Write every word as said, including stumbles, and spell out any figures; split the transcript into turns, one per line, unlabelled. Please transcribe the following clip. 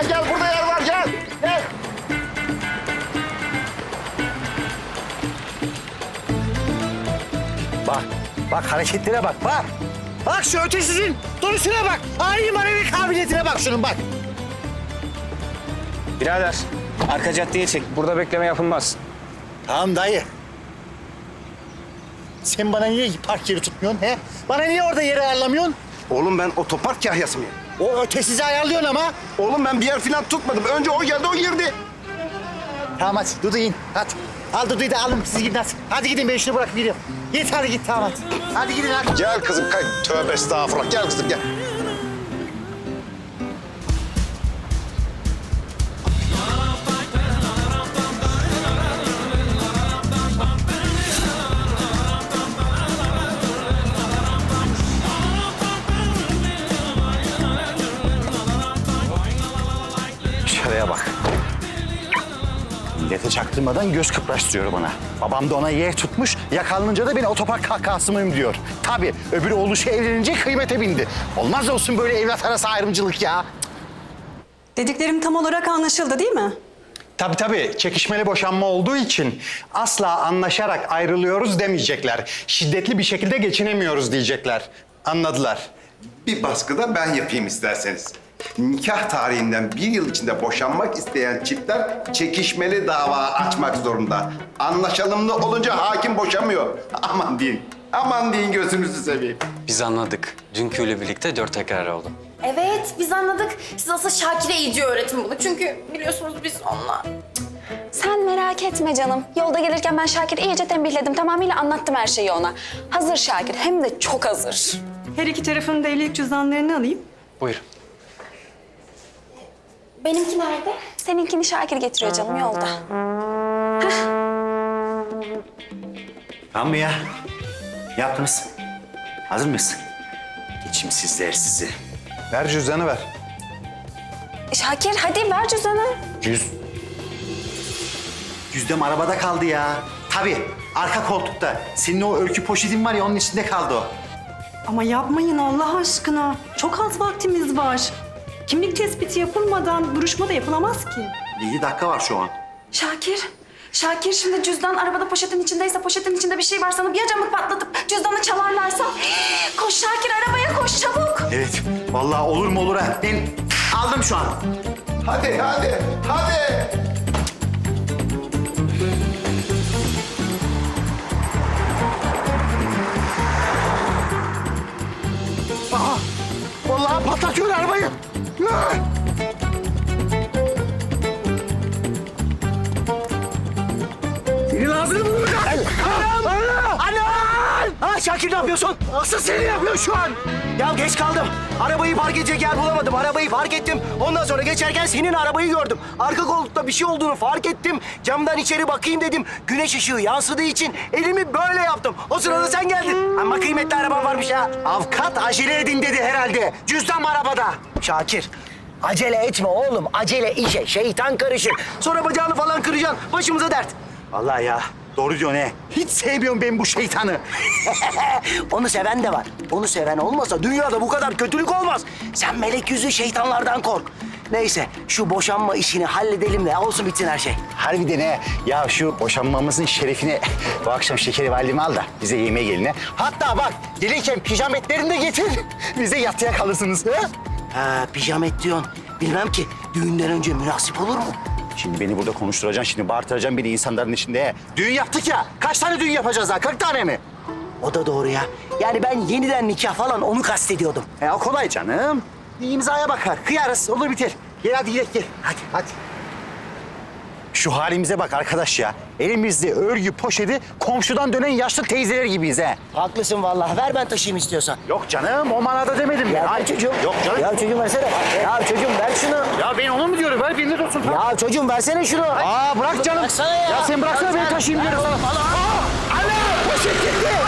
Gel gel burada yer var gel. Gel.
Bak, bak hareketlere bak, bak. Bak şu ötesizin duruşuna bak. Ani manevi kabiliyetine bak şunun bak.
Birader, arka caddeye çek. Burada bekleme yapılmaz.
Tamam dayı. Sen bana niye park yeri tutmuyorsun he? Bana niye orada yeri ayarlamıyorsun?
Oğlum ben otopark kahyası mıyım?
O ötesizi ayarlıyorsun ama.
Oğlum ben bir yer falan tutmadım. Önce o geldi o girdi.
Tamam hadi Dudu in hadi. Al Dudu'yu da alın siz gidin hadi. Hadi gidin ben şunu bırakıp gidiyorum. Git hadi git tamam hadi. Hadi gidin hadi.
Gel kızım kay. Tövbe estağfurullah. Gel kızım gel.
Şuraya bak. Millete çaktırmadan göz kıpraştırıyor bana. Babam da ona yer tutmuş, yakalanınca da beni otopark kahkahası mıyım diyor. Tabii öbür oğluşu evlenince kıymete bindi. Olmaz olsun böyle evlat arası ayrımcılık ya.
Dediklerim tam olarak anlaşıldı değil mi?
Tabii tabii. Çekişmeli boşanma olduğu için asla anlaşarak ayrılıyoruz demeyecekler. Şiddetli bir şekilde geçinemiyoruz diyecekler. Anladılar.
Bir baskıda ben yapayım isterseniz. Nikah tarihinden bir yıl içinde boşanmak isteyen çiftler çekişmeli dava açmak zorunda. Anlaşalımlı olunca hakim boşamıyor. Aman deyin, aman deyin gözünüzü seveyim.
Biz anladık. Dünküyle birlikte dört tekrar oldu.
Evet, biz anladık. Siz asıl Şakir'e iyice öğretin bunu. Çünkü biliyorsunuz biz onunla...
Sen merak etme canım. Yolda gelirken ben Şakir'i iyice tembihledim. Tamamıyla anlattım her şeyi ona. Hazır Şakir, hem de çok hazır.
Her iki tarafın da evlilik cüzdanlarını alayım.
Buyurun.
Benimki nerede? Seninkini Şakir getiriyor canım yolda.
Tamam mı ya? Yaptınız. Hazır mıyız? Geçimsizler sizi.
Ver cüzdanı ver.
Şakir hadi ver cüzdanı.
Cüz... Cüzdanım arabada kaldı ya. Tabii arka koltukta. Senin o öykü poşetin var ya onun içinde kaldı o.
Ama yapmayın Allah aşkına. Çok az vaktimiz var. Kimlik tespiti yapılmadan duruşma da yapılamaz ki.
Yedi dakika var şu an.
Şakir, Şakir şimdi cüzdan arabada poşetin içindeyse, poşetin içinde bir şey var sanıp ya camı patlatıp cüzdanı çalarlarsa... Koş Şakir arabaya koş çabuk.
Evet. Vallahi olur mu olur ha. Ben aldım şu an.
Hadi, hadi, hadi.
Aha! Vallahi patlatıyor arabayı. Ah! Senin ağzını bulacağım. Anam! Anam! Ha Şakir ne yapıyorsun? Asıl seni yapıyor şu an.
Ya geç kaldım. Arabayı park edecek yer bulamadım. Arabayı park ettim. Ondan sonra geçerken senin arabayı gördüm. Arka koltukta bir şey olduğunu fark ettim. Camdan içeri bakayım dedim. Güneş ışığı yansıdığı için elimi böyle yaptım. O sırada sen geldin. Ama kıymetli araban varmış ha.
Avukat acele edin dedi herhalde. Cüzdan arabada.
Şakir, acele etme oğlum. Acele işe şeytan karışır. Sonra bacağını falan kıracaksın. Başımıza dert.
Vallahi ya doğru diyorsun he. Hiç sevmiyorum ben bu şeytanı.
Onu seven de var. Onu seven olmasa dünyada bu kadar kötülük olmaz. Sen melek yüzlü şeytanlardan kork. Neyse şu boşanma işini halledelim de olsun bitsin her şey.
Harbiden he. Ya şu boşanmamızın şerefine bu akşam şekeri validemi al da bize yemeğe gelin he. Hatta bak gelirken pijametlerini de getir. Bize yatıya kalırsınız he.
Ha pijamet diyorsun. Bilmem ki düğünden önce münasip olur mu?
Şimdi beni burada konuşturacaksın, şimdi bağırtıracaksın beni insanların içinde he. Düğün yaptık ya. Kaç tane düğün yapacağız daha? kırk tane mi?
O da doğru ya. Yani ben yeniden nikah falan onu kastediyordum.
E o kolay canım. Bir imzaya bakar. Kıyarız. Olur biter. Gel hadi gidelim gel. Hadi hadi. Şu halimize bak arkadaş ya. Elimizde örgü poşeti komşudan dönen yaşlı teyzeler gibiyiz he.
Haklısın vallahi. Ver ben taşıyayım istiyorsan.
Yok canım o manada demedim ben.
Ya
Ay,
çocuğum.
Yok canım.
Ya çocuğum versene. Ya çocuğum ver şunu.
Ya ben onu mu diyorum? Ver beni de olsun.
Ya çocuğum versene şunu.
Aa bırak canım.
Bıraksana ya.
Ya sen bıraksana
Ya
beni
sen-
taşıyayım diyorum sana.
Al, al.
Aa! Ana! Poşet gitti.